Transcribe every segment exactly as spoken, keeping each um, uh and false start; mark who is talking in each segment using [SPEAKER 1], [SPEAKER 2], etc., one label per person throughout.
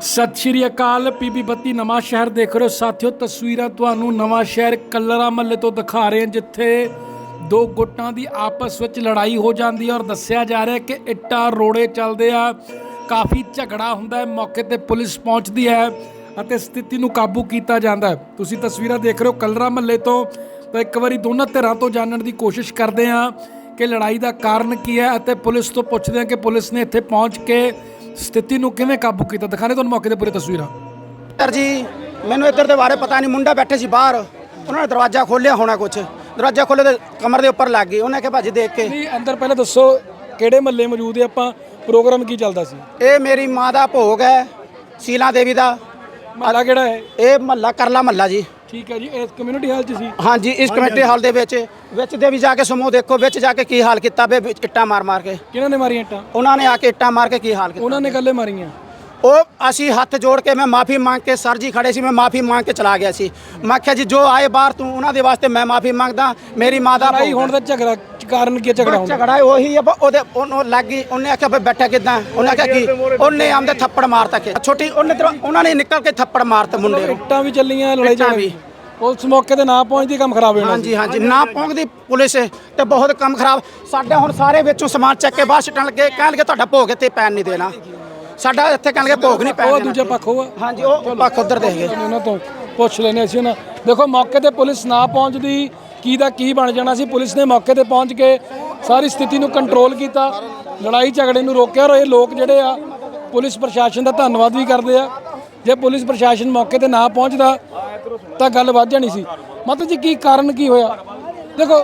[SPEAKER 1] सत श्री अकाल पीबी बत्ती नवां शहर देख रहे हो साथियों। तस्वीरां तुहानूं नवां शहर कलरा महल्ले तो दिखा रहे हैं जिथे दो गुट्टां दी आपस विच लड़ाई हो जाती है और दस्सिया जा रहा है कि इट्टां रोड़े चलदे आ, काफ़ी झगड़ा हुंदा है। मौके ते पुलिस पहुंचती है ਅਤੇ स्थिति नूं काबू किया जाता है। तुसीं तस्वीरां देख रहे हो कलरा महल्ले तो तो एक बारी दोनों धिरां तो जानने की कोशिश करते हैं कि लड़ाई का कारण की है ਅਤੇ पुलिस तो पुछते हैं कि पुलिस ने इत्थे पहुँच के स्थिति ਨੂੰ ਕਿਵੇਂ ਕਾਬੂ ਕੀਤਾ। ਦਿਖਾਣੇ ਤੁਹਾਨੂੰ ਮੌਕੇ ਤੇ ਪੂਰੀ ਤਸਵੀਰਾਂ।
[SPEAKER 2] ਸਰ ਜੀ ਮੈਨੂੰ ਇੱਧਰ ਦੇ ਬਾਰੇ ਪਤਾ ਨਹੀਂ, ਮੁੰਡਾ ਬੈਠੇ ਸੀ ਬਾਹਰ, ਉਹਨਾਂ ਨੇ ਦਰਵਾਜ਼ਾ ਖੋਲ੍ਹਿਆ ਹੋਣਾ, ਕੁਛ ਦਰਵਾਜ਼ਾ ਖੋਲ੍ਹੇ ਤੇ ਕਮਰ ਦੇ ਉੱਪਰ ਲੱਗ ਗਈ। ਉਹਨੇ ਕਿਹਾ ਭਾਜੀ ਦੇਖ ਕੇ
[SPEAKER 1] ਨਹੀਂ ਅੰਦਰ ਪਹਿਲਾਂ ਦੱਸੋ ਕਿਹੜੇ ਮਹੱਲੇ ਮੌਜੂਦ ਹੈ, ਆਪਾਂ ਪ੍ਰੋਗਰਾਮ ਕੀ ਚੱਲਦਾ ਸੀ?
[SPEAKER 2] ਇਹ ਮੇਰੀ ਮਾਂ ਦਾ ਭੋਗ ਹੈ, ਸ਼ੀਲਾ ਦੇਵੀ ਦਾ।
[SPEAKER 1] ਮਹੱਲਾ ਕਿਹੜਾ ਹੈ?
[SPEAKER 2] ਇਹ ਮਹੱਲਾ ਕਰਲਾ ਮਹੱਲਾ ਜੀ।
[SPEAKER 1] ਠੀਕ ਹੈ ਜੀ, ਇਸ ਕਮਿਊਨਿਟੀ ਹਾਲ 'ਚ ਸੀ?
[SPEAKER 2] ਹਾਂਜੀ, ਇਸ ਕਮੇਟੀ ਹਾਲ ਦੇ ਵਿੱਚ ਵਿੱਚ ਦੇ ਵੀ ਜਾ ਕੇ ਸਮੂਹ ਦੇਖੋ, ਵਿੱਚ ਜਾ ਕੇ ਕੀ ਹਾਲ ਕੀਤਾ ਬੇ, ਇੱਟਾਂ ਮਾਰ ਮਾਰ ਕੇ।
[SPEAKER 1] ਕਿਹਨਾਂ ਨੇ ਮਾਰੀਆਂ ਇੱਟਾਂ?
[SPEAKER 2] ਉਹਨਾਂ ਨੇ ਆ ਕੇ ਇੱਟਾਂ ਮਾਰ ਕੇ ਕੀ ਹਾਲ ਕੀਤਾ।
[SPEAKER 1] ਉਹਨਾਂ ਨੇ ਗੱਲੇ ਮਾਰੀਆਂ।
[SPEAKER 2] ਉਹ ਅਸੀਂ ਹੱਥ ਜੋੜ ਕੇ ਮੈਂ ਮਾਫੀ ਮੰਗ ਕੇ, ਸਰ ਜੀ ਖੜੇ ਸੀ, ਮੈਂ ਮਾਫੀ ਮੰਗ ਕੇ ਚਲਾ ਗਿਆ ਸੀ। ਮੈਂ ਕਿਹਾ ਜੀ ਜੋ ਆਏ ਬਾਹਰ ਤੂੰ ਉਹਨਾਂ ਦੇ ਵਾਸਤੇ ਮੈਂ ਮਾਫੀ ਮੰਗਦਾ। ਮੇਰੀ ਮਾਂ ਦਾ
[SPEAKER 1] ਲੜਾਈ ਹੋਣ ਦਾ ਝਗੜਾ ਕਾਰਨ ਕੀ ਝਗੜਾ ਹੁੰਦਾ?
[SPEAKER 2] ਝਗੜਾ ਉਹੀ ਹੈ, ਉਹਦੇ ਉਹਨੂੰ ਲੱਗ ਗਈ। ਉਹਨੇ ਆਖਿਆ ਬਈ ਬੈਠਾ ਕਿੱਦਾਂ, ਉਹਨੇ ਆਖਿਆ ਕੀ, ਉਹਨੇ ਆਮਦੇ ਥੱਪੜ ਮਾਰਤਾ ਕਿ ਛੋਟੀ ਉਹਨੇ ਉਹਨਾਂ ਨੇ ਨਿਕਲ ਕੇ ਥੱਪੜ ਮਾਰਤਾ ਮੁੰਡੇ ਨੂੰ।
[SPEAKER 1] ਇੱਟਾਂ ਵੀ ਚੱਲੀਆਂ, ਲੜਾਈ ਝਗੜਾ ਵੀ। ਪੁਲਿਸ ਮੌਕੇ ਤੇ ਨਾ ਪਹੁੰਚਦੀ ਕੰਮ ਖਰਾਬ ਹੋ ਜਾਣਾ।
[SPEAKER 2] ਹਾਂਜੀ ਹਾਂਜੀ, ਨਾ ਪਹੁੰਚਦੀ ਪੁਲਿਸ ਤੇ ਬਹੁਤ ਕੰਮ ਖਰਾਬ। ਸਾਡੇ ਹੁਣ ਸਾਰੇ ਵਿੱਚੋਂ ਸਮਾਨ ਚੱਕ ਕੇ ਬਾਹਰ ਸੁੱਟਣ ਲੱਗੇ, ਕਹਿਣ ਲੱਗੇ ਤੁਹਾਡਾ ਭੋਗ ਇੱਥੇ ਪੈਣ ਨਹੀਂ ਦੇਣਾ। ਸਾਡਾ ਇੱਥੇ ਕਹਿਣ ਲੱਗੇ ਭੋਗ ਨਹੀਂ ਪੈਣ
[SPEAKER 1] ਉਹ
[SPEAKER 2] ਦੇਣਾ।
[SPEAKER 1] ਦੂਜਾ ਪੱਖ ਹੋਆ।
[SPEAKER 2] ਹਾਂਜੀ, ਉਹ ਪੱਖ ਉਧਰ ਦੇ ਗਏ।
[SPEAKER 1] ਉਹਨਾਂ ਤੋਂ ਪੁੱਛ ਲੈਣੇ ਅਸੀਂ ਉਹਨਾਂ। ਦੇਖੋ ਮੌਕੇ ਤੇ ਪੁਲਿਸ ਨਾ ਪਹੁੰਚਦੀ ਕੀ ਦਾ ਕੀ ਬਣ ਜਾਣਾ ਸੀ। ਪੁਲਿਸ ਨੇ ਮੌਕੇ ਤੇ ਪਹੁੰਚ ਕੇ ਸਾਰੀ ਸਥਿਤੀ ਨੂੰ ਕੰਟਰੋਲ ਕੀਤਾ, ਲੜਾਈ ਝਗੜੇ ਨੂੰ ਰੋਕਿਆ। ਔਰ ਇਹ ਲੋਕ ਜਿਹੜੇ ਆ ਪੁਲਿਸ ਪ੍ਰਸ਼ਾਸਨ ਦਾ ਧੰਨਵਾਦ ਵੀ ਕਰਦੇ ਆ। ਜੇ ਪੁਲਿਸ ਪ੍ਰਸ਼ਾਸਨ ਮੌਕੇ ਤੇ ਨਾ ਪਹੁੰਚਦਾ ਤਾਂ ਗੱਲ ਵੱਧ ਜਾਣੀ ਸੀ। ਮਤਲਬ ਜੀ ਕੀ ਕਾਰਨ ਕੀ ਹੋਇਆ? ਦੇਖੋ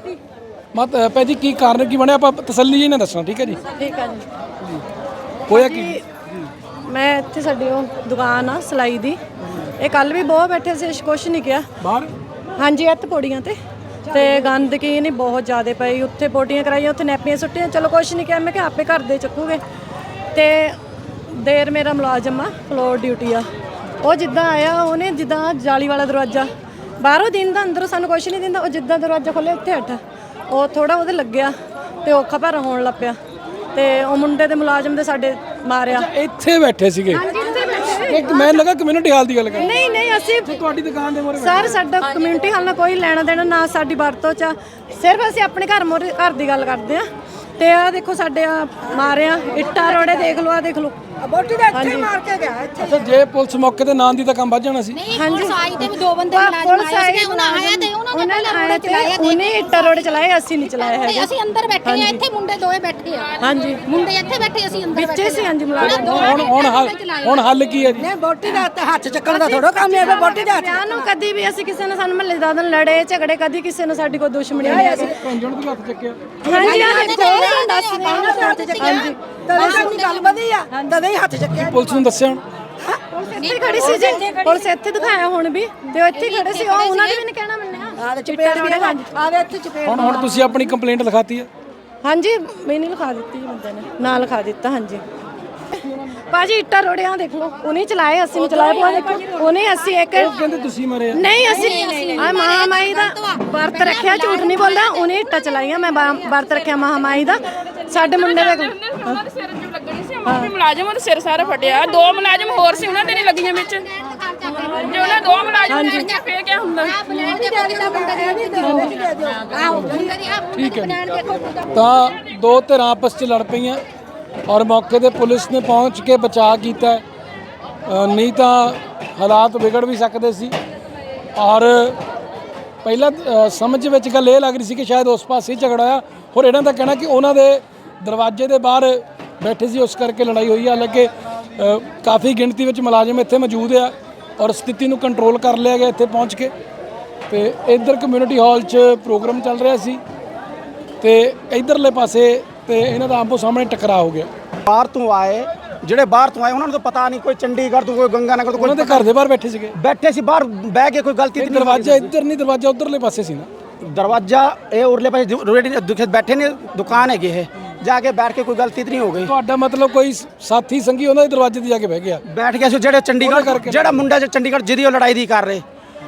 [SPEAKER 1] ਮਤ ਭੈ ਜੀ ਕੀ ਕਾਰਨ ਕੀ ਬਣਿਆ, ਆਪਾਂ ਤਸੱਲੀ ਜੀ ਨਾਲ ਦੱਸਣਾ। ਠੀਕ ਹੈ ਜੀ,
[SPEAKER 3] ਠੀਕ ਹੈ ਜੀ।
[SPEAKER 1] ਹੋਇਆ ਕੀ?
[SPEAKER 3] ਮੈਂ ਇੱਥੇ ਸਾਡੀ ਉਹ ਦੁਕਾਨ ਆ ਸਿਲਾਈ ਦੀ, ਇਹ ਕੱਲ ਵੀ ਬਹੁਤ ਬੈਠੇ ਸੀ, ਕੁਛ ਨਹੀਂ ਕਿਹਾ
[SPEAKER 1] ਬਾਹਰ।
[SPEAKER 3] ਹਾਂਜੀ, ਇੱਥੇ ਪੌੜੀਆਂ ਤੇ ਤੇ ਗੰਦਗੀ ਨਹੀਂ ਬਹੁਤ ਜ਼ਿਆਦਾ ਪਈ। ਉੱਥੇ ਪੌੜੀਆਂ ਕਰਾਈਆਂ, ਉੱਥੇ ਨੈਪੀਆਂ ਸੁੱਟੀਆਂ, ਚਲੋ ਕੁਛ ਨਹੀਂ ਕਿਹਾ। ਮੈਂ ਕਿਹਾ ਆਪੇ ਘਰ ਦੇ ਚੱਕੂਗੇ। ਤੇ ਦੇਰ ਮੇਰਾ ਮੁਲਾਜ਼ਮ ਆ, ਫਲੋਰ ਡਿਊਟੀ ਆ, ਉਹ ਜਿੱਦਾਂ ਆਇਆ ਉਹਨੇ ਜਿੱਦਾਂ ਜਾਲੀ ਵਾਲਾ ਦਰਵਾਜ਼ਾ ਬਾਹਰੋਂ ਦਿੰਦਾ, ਅੰਦਰੋਂ ਸਾਨੂੰ ਕੁਛ ਨਹੀਂ ਦਿੰਦਾ। ਉਹ ਜਿੱਦਾਂ ਦਰਵਾਜ਼ਾ ਖੋਲ੍ਹਿਆ ਉੱਥੇ ਹੱਟ ਉਹ ਥੋੜਾ ਉਹਦੇ ਲੱਗਿਆ ਤੇ ਔਖਾ ਭਾਰਾ ਹੋਣ ਲੱਗ ਪਿਆ ਤੇ ਉਹ ਮੁੰਡੇ ਦੇ ਮੁਲਾਜ਼ਮ ਦੇ ਸਾਡੇ ਮਾਰਿਆ।
[SPEAKER 1] ਇੱਥੇ ਬੈਠੇ ਸੀਗੇ? ਇੱਕ ਮੈਂ ਲੱਗਾ ਕਮਿਊਨਿਟੀ ਹਾਲ ਦੀ ਗੱਲ ਕਰ।
[SPEAKER 3] ਨਹੀਂ ਨਹੀਂ, ਅਸੀਂ
[SPEAKER 1] ਤੁਹਾਡੀ ਦੁਕਾਨ ਦੇ ਮੋਰੇ
[SPEAKER 3] ਸਰ ਸਾਡਾ ਕਮਿਊਨਿਟੀ ਹਾਲ ਨਾਲ ਕੋਈ ਲੈਣਾ ਦੇਣਾ ਨਾ, ਸਾਡੀ ਵਰਤੋਂ ਚ। ਸਿਰਫ ਅਸੀਂ ਆਪਣੇ ਘਰ ਮੋਰੇ ਘਰ ਦੀ ਗੱਲ ਕਰਦੇ ਆ। ਤੇ ਆ ਦੇਖੋ ਸਾਡੇ ਆ ਮਾਰਿਆ, ਇੱਟਾਂ ਰੋੜੇ ਦੇਖ ਲਓ, ਆ ਦੇਖ ਲਓ ਬੋਟੀ ਦਾ ਇੱਥੇ ਮਾਰ ਕੇ ਗਿਆ ਇੱਥੇ।
[SPEAKER 1] ਅੱਛਾ, ਜੇ ਪੁਲਿਸ ਮੌਕੇ ਤੇ ਨਾਂ ਦੀ ਤਾਂ ਕੰਮ ਵੱਧ ਜਾਣਾ ਸੀ।
[SPEAKER 4] ਹਾਂਜੀ, ਸਾਈ ਤੇ ਵੀ ਦੋ ਬੰਦੇ ਮੁਲਾਜ਼ਮ ਆਏ ਸੀ, ਉਹਨਾਂ ਆਇਆ ਤੇ ਉਹਨਾਂ ਨੇ ਪਹਿਲਾਂ ਰੋੜੇ ਚਲਾਏ,
[SPEAKER 3] ਉਹਨੇ ਇੱਟਾਂ ਰੋੜੇ ਚਲਾਏ, ਅਸੀਂ ਨਹੀਂ ਚਲਾਏ ਹੈਗੇ।
[SPEAKER 4] ਅਸੀਂ ਅੰਦਰ ਬੈਠੇ ਆ, ਇੱਥੇ ਮੁੰਡੇ ਦੋਏ ਬੈਠੇ ਆ।
[SPEAKER 3] ਹਾਂਜੀ,
[SPEAKER 4] ਮੁੰਡੇ ਇੱਥੇ ਬੈਠੇ, ਅਸੀਂ ਅੰਦਰ
[SPEAKER 3] ਵਿੱਚੇ ਸੀ। ਹਾਂਜੀ, ਮੁਲਾਜ਼ਮ।
[SPEAKER 1] ਹੁਣ ਹੁਣ ਹੱਲ ਹੁਣ ਹੱਲ ਕੀ ਹੈ ਜੀ?
[SPEAKER 5] ਨਹੀਂ, ਬੋਟੀ ਦਾ ਹੱਥ ਚੱਕਣ ਦਾ ਥੋੜਾ ਕੰਮ ਹੈ। ਬੋਟੀ ਦਾ
[SPEAKER 3] ਵਿਆਹ ਨੂੰ ਕਦੀ ਵੀ ਅਸੀਂ ਕਿਸੇ ਨਾਲ, ਸਾਨੂੰ ਮਹੱਲੇ ਦਾ ਲੜੇ ਝਗੜੇ, ਕਦੀ ਕਿਸੇ ਨਾਲ ਸਾਡੀ ਕੋਈ ਦੁਸ਼ਮਣੀ ਨਹੀਂ ਸੀ।
[SPEAKER 1] ਭੰਜਣ ਵੀ ਹੱਥ ਚੱਕਿਆ।
[SPEAKER 3] ਹਾਂਜੀ, ਆ ਦੇਖੋ ਦੱਸ
[SPEAKER 5] ਹੱਥ ਚੱਕਿਆ। ਹਾਂਜੀ, ਤਦੇ ਗੱਲ ਵਧੀ ਆ, ਤਦੇ ਹੀ ਹੱਥ ਚੱਕਿਆ।
[SPEAKER 1] ਪੁਲਿਸ ਨੂੰ ਦੱਸਿਆ? ਹੁਣ
[SPEAKER 3] ਇੱਥੇ ਖੜੀ ਸੀ ਜੀ, ਪੁਲਿਸ ਇੱਥੇ ਦਿਖਾਇਆ ਹੁਣ ਵੀ, ਤੇ ਉਹ ਇੱਥੇ ਖੜੇ ਸੀ। ਉਹ ਉਹਨਾਂ ਨੇ ਵੀ ਨਹੀਂ ਕਹਿਣਾ ਮੰਨਿਆ।
[SPEAKER 5] ਆਹ ਚਪੇੜ ਵੀ ਆਵੇ ਇੱਥੇ ਚਪੇੜ।
[SPEAKER 1] ਹੁਣ ਹੁਣ ਤੁਸੀਂ ਆਪਣੀ ਕੰਪਲੇਂਟ ਲਿਖਾਤੀ ਹੈ?
[SPEAKER 3] ਹਾਂਜੀ, ਮੈਨੂੰ ਲਿਖਾ ਦਿੱਤੀ ਜੀ ਬੰਦੇ ਨੇ, ਨਾਂ ਲਿਖਾ ਦਿੱਤਾ। ਹਾਂਜੀ ਭਾਜੀ, ਇੱਟਾਂ ਰੋੜਿਆਂ ਦੇਖ ਲਓ, ਉਹਨੇ ਚਲਾਏ, ਅਸੀਂ ਨਹੀਂ ਚਲਾਏ। ਪਾ ਦੇਖੋ ਉਹਨੇ, ਅਸੀਂ ਇੱਕ
[SPEAKER 1] ਕਹਿੰਦੇ ਤੁਸੀਂ ਮਰੇ?
[SPEAKER 3] ਨਹੀਂ, ਅਸੀਂ ਆ ਮਹਾਮਾਈ ਦਾ ਵਰਤ ਰੱਖਿਆ, ਝੂਠ ਨਹੀਂ ਬੋਲਦਾ। ਉਹਨੇ ਇੱਟਾਂ ਚਲਾਈਆਂ, ਮੈਂ ਵਰਤ ਰੱਖਿਆ ਮਹਾਮਾਈ ਦਾ। ਸਾਡੇ ਮੁੰਡੇ ਦੇ
[SPEAKER 6] ਉਹਨਾਂ ਦੇ ਸਿਰ ਨੂੰ ਲੱਗਣੀ ਸੀ, ਉਹ ਵੀ ਮੁਲਾਜ਼ਮ ਦੇ ਸਿਰ ਸਾਰਾ ਫਟਿਆ। ਦੋ ਮੁਲਾਜ਼ਮ ਹੋਰ ਸੀ, ਉਹਨਾਂ ਦੇ ਨਹੀਂ ਲੱਗੀਆਂ ਵਿੱਚ। ਜੇ ਉਹਨਾਂ ਦੋ ਮੁਲਾਜ਼ਮ ਨੇ ਫੇਰ ਕਿਆ ਹੁੰਦਾ?
[SPEAKER 1] ਠੀਕ ਹੈ, ਤਾਂ ਦੋ ਧਿਰਾਂ ਆਪਸ 'ਚ ਲੜ ਪਈਆਂ ਔਰ ਮੌਕੇ ਤੇ ਪੁਲਿਸ ਨੇ ਪਹੁੰਚ ਕੇ ਬਚਾਅ ਕੀਤਾ। ਨਹੀਂ ਤਾਂ ਹਾਲਾਤ ਵਿਗੜ ਵੀ ਸਕਦੇ ਸੀ। ਔਰ ਪਹਿਲਾਂ ਸਮਝ ਵਿੱਚ ਗੱਲ ਇਹ ਲੱਗ ਰਹੀ ਸੀ ਕਿ ਸ਼ਾਇਦ ਉਸ ਪਾਸੇ ਝਗੜਾ ਹੋਇਆ। ਹੋਰ ਇਹਨਾਂ ਦਾ ਕਹਿਣਾ ਕਿ ਉਹਨਾਂ ਦੇ ਦਰਵਾਜ਼ੇ ਦੇ ਬਾਹਰ ਬੈਠੇ ਸੀ, ਉਸ ਕਰਕੇ ਲੜਾਈ ਹੋਈ ਹੈ। ਹਾਲਾਂਕਿ ਕਾਫੀ ਗਿਣਤੀ ਵਿੱਚ ਮੁਲਾਜ਼ਮ ਇੱਥੇ ਮੌਜੂਦ ਆ ਔਰ ਸਥਿਤੀ ਨੂੰ ਕੰਟਰੋਲ ਕਰ ਲਿਆ ਗਿਆ ਇੱਥੇ ਪਹੁੰਚ ਕੇ। ਤੇ ਇੱਧਰ ਕਮਿਊਨਿਟੀ ਹਾਲ 'ਚ ਪ੍ਰੋਗਰਾਮ ਚੱਲ ਰਿਹਾ ਸੀ ਤੇ ਇੱਧਰਲੇ ਪਾਸੇ ਤੇ ਇਹਨਾਂ ਦਾ ਆਮੋ ਸਾਹਮਣੇ ਟਕਰਾਅ ਹੋ ਗਿਆ।
[SPEAKER 2] ਬਾਹਰ ਤੋਂ ਆਏ, ਜਿਹੜੇ ਬਾਹਰ ਤੋਂ ਆਏ ਉਹਨਾਂ ਨੂੰ ਤਾਂ ਪਤਾ ਨਹੀਂ, ਕੋਈ ਚੰਡੀਗੜ੍ਹ ਤੋਂ, ਕੋਈ ਗੰਗਾਨਗਰ ਤੋਂ,
[SPEAKER 1] ਉਹਨਾਂ ਦੇ ਘਰ ਦੇ ਬਾਹਰ ਬੈਠੇ ਸੀਗੇ।
[SPEAKER 2] ਬੈਠੇ ਸੀ ਬਾਹਰ ਬਹਿ ਕੇ, ਕੋਈ ਗਲਤੀ ਨਹੀਂ।
[SPEAKER 1] ਦਰਵਾਜ਼ਾ ਇੱਧਰ ਨਹੀਂ, ਦਰਵਾਜ਼ਾ ਉਧਰਲੇ ਪਾਸੇ ਸੀ ਨਾ।
[SPEAKER 2] ਦਰਵਾਜ਼ਾ ਇਹ ਉਰਲੇ ਪਾਸੇ ਰੇਡੀ ਬੈਠੇ ਨੇ, ਦੁਕਾਨ ਹੈਗੀ ਇਹ, ਜਾ ਕੇ ਬੈਠ ਕੇ ਕੋਈ ਗਲਤੀ ਨਹੀਂ ਹੋ ਗਈ।
[SPEAKER 1] ਤੁਹਾਡਾ ਮਤਲਬ ਕੋਈ ਸਾਥੀ ਸੰਗੀ ਉਹਨਾਂ ਦੇ ਦਰਵਾਜ਼ੇ ਤੇ ਜਾ ਕੇ ਬਹਿ ਗਿਆ?
[SPEAKER 2] ਬੈਠ ਗਿਆ ਸੀ ਜਿਹੜੇ ਚੰਡੀਗੜ੍ਹ, ਜਿਹੜਾ ਮੁੰਡਾ ਜੋ ਚੰਡੀਗੜ੍ਹ ਜਿਹਦੀ ਉਹ ਲੜਾਈ ਦੀ ਕਰ ਰਹੇ,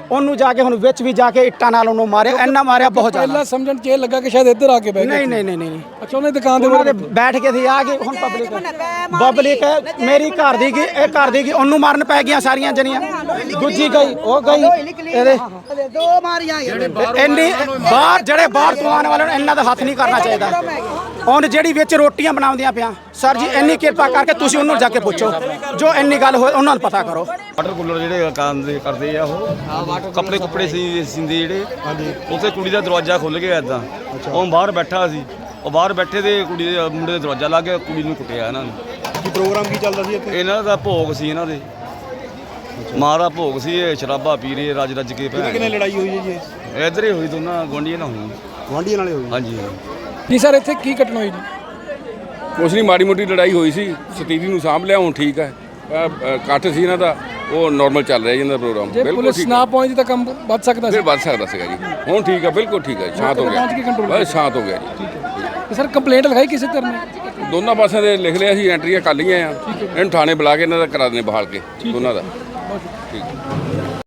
[SPEAKER 2] ਉਹਨੂੰ ਜਾ ਕੇ ਹੁਣ ਵਿੱਚ ਵੀ ਜਾ ਕੇ ਇੱਟਾਂ ਨਾਲ ਉਹਨੂੰ ਮਾਰਿਆ, ਇੰਨਾ ਮਾਰਿਆ ਬਹੁਤ ਜ਼ਿਆਦਾ।
[SPEAKER 1] ਪਹਿਲਾਂ ਸਮਝਣ ਚ ਇਹ ਲੱਗਾ ਕਿ ਸ਼ਾਇਦ ਇੱਧਰ ਆ ਕੇ ਬਹਿ ਗਏ।
[SPEAKER 2] ਨਹੀਂ ਨਹੀਂ ਨਹੀਂ ਨਹੀਂ
[SPEAKER 1] ਅੱਛਾ ਉਹਨੇ ਦੁਕਾਨ ਦੇ
[SPEAKER 2] ਉਹਨਾਂ ਦੇ ਬੈਠ ਕੇ ਸੀ ਆ ਗਏ। ਹੁਣ ਪਬਲਿਕ ਪਬਲਿਕ ਮੇਰੀ ਘਰ ਦੀ ਗਈ, ਇਹ ਘਰ ਦੀ ਗਈ, ਉਹਨੂੰ ਮਾਰਨ ਪੈ ਗਈਆਂ ਸਾਰੀਆਂ ਜਣੀਆਂ। ਦੂਜੀ ਗਈ ਉਹ ਗਈ ਇਹਦੇ
[SPEAKER 5] ਦੋ ਮਾਰੀਆਂ
[SPEAKER 2] ਇੰਨੀ ਬਾਹਰ ਜਿਹੜੇ ਬਾਹਰ ਤੋਂ ਆਉਣ ਵਾਲੇ ਨੂੰ ਇਹਨਾਂ ਦਾ ਹੱਥ ਨਹੀਂ ਕਰਨਾ ਚਾਹੀਦਾ। ਹੁਣ ਜਿਹੜੀ ਵਿੱਚ ਰੋਟੀਆਂ ਬਣਾਉਂਦੀਆਂ ਪਿਆ ਸਰ ਜੀ, ਇੰਨੀ ਕਿਰਪਾ ਕਰਕੇ ਤੁਸੀਂ ਉਹਨੂੰ ਜਾ ਕੇ ਪੁੱਛੋ ਜੋ ਇੰਨੀ ਗੱਲ ਹੋਏ, ਉਹਨਾਂ ਨੂੰ ਪਤਾ ਕਰੋ।
[SPEAKER 7] ਵਾਟਰ ਕੂਲਰ ਜਿਹੜੇ ਕੰਮ ਦੇ ਕਰਦੇ ਆ ਉਹ ਕੱਪੜੇ ਕੁੱਪੜੇ ਸੀ ਸਿੰਦੇ ਜਿਹੜੇ ਉੱਥੇ ਕੁੜੀ ਦਾ ਦਰਵਾਜ਼ਾ ਖੁੱਲ ਗਿਆ ਇਦਾਂ, ਉਹ ਬਾਹਰ ਬੈਠਾ ਸੀ, ਉਹ ਬਾਹਰ ਬੈਠੇ ਤੇ ਕੁੜੀ ਦੇ ਮੁੰਡੇ ਦੇ ਦਰਵਾਜ਼ਾ ਲੱਗ ਗਿਆ, ਕੁੜੀ ਨੂੰ ਕੁੱਟਿਆ ਇਹਨਾਂ ਨੇ।
[SPEAKER 8] ਕੀ ਪ੍ਰੋਗਰਾਮ ਕੀ ਚੱਲਦਾ ਸੀ ਇੱਥੇ?
[SPEAKER 7] ਇਹਨਾਂ ਦਾ ਭੋਗ ਸੀ, ਇਹਨਾਂ ਦੇ ਮਾਂ ਦਾ ਭੋਗ ਸੀ। ਇਹ ਸ਼ਰਾਬਾ ਪੀ ਰਹੇ ਰੱਜ ਰੱਜ ਕੇ ਭੈਣ।
[SPEAKER 8] ਕਿੰਨੇ ਲੜਾਈ ਹੋਈ ਹੈ ਜੀ?
[SPEAKER 7] ਇੱਧਰ ਹੀ ਹੋਈ, ਦੋਨਾਂ ਗੁਆਂਢੀਆਂ ਨਾਲ ਹੋਈ।
[SPEAKER 8] ਗੁਆਂਢੀਆਂ ਨਾਲੇ ਹੋਈ?
[SPEAKER 7] ਹਾਂਜੀ
[SPEAKER 1] ਜੀ ਸਰ ਇੱਥੇ ਕੀ ਘਟਨਾ ਹੋਈ ਜੀ?
[SPEAKER 9] ਕੁਛ ਨਹੀਂ, ਮਾੜੀ ਮੋਟੀ ਲੜਾਈ ਹੋਈ ਸੀ, ਸਤੀਰੀ ਨੂੰ ਸਾਂਭ ਲਿਆ, ਹੁਣ ਠੀਕ ਹੈ। ਅਹ, ਅਹ, ਇਕੱਠ ਸੀ ਇਹਨਾਂ ਦਾ, ਉਹ ਨਾਰਮਲ ਚੱਲ ਰਿਹਾ ਜੀ ਇਹਨਾਂ ਦਾ ਪ੍ਰੋਗਰਾਮ।
[SPEAKER 1] ਜੇ
[SPEAKER 9] ਬਿਲਕੁਲ
[SPEAKER 1] ਪੁਲਿਸ
[SPEAKER 9] ਠੀਕ
[SPEAKER 1] ਨਾ ਪਹੁੰਚਦੀ ਤਾਂ ਕੰਮ ਵੱਧ ਸਕਦਾ ਸੀ।
[SPEAKER 9] ਫਿਰ ਵੱਧ ਸਕਦਾ ਸੀਗਾ ਜੀ। ਹੁਣ ਠੀਕ ਹੈ, ਬਿਲਕੁਲ ਠੀਕ ਹੈ, ਸ਼ਾਂਤ ਹੋ ਗਿਆ,
[SPEAKER 1] ਪਹੁੰਚ ਕੇ control
[SPEAKER 9] ਬਸ ਸ਼ਾਂਤ ਹੋ ਗਿਆ ਜੀ।
[SPEAKER 1] ਤੇ ਸਰ ਕੰਪਲੇਂਟ ਲਿਖਾਈ ਕਿਸੇ ਤਰ੍ਹਾਂ ਨੇ?
[SPEAKER 9] ਦੋਨਾਂ ਪਾਸਿਆਂ ਦੇ ਲਿਖ ਲਿਆ ਸੀ, ਐਂਟਰੀਆਂ ਕਰ ਲਈਆਂ ਆ। ਇਹਨੂੰ ਥਾਣੇ ਬੁਲਾ ਕੇ ਇਹਨਾਂ ਦਾ ਕਰਾ ਦੇਣੇ ਬਹਾਲ ਕੇ ਦੋਨਾਂ ਦਾ। ਠੀਕ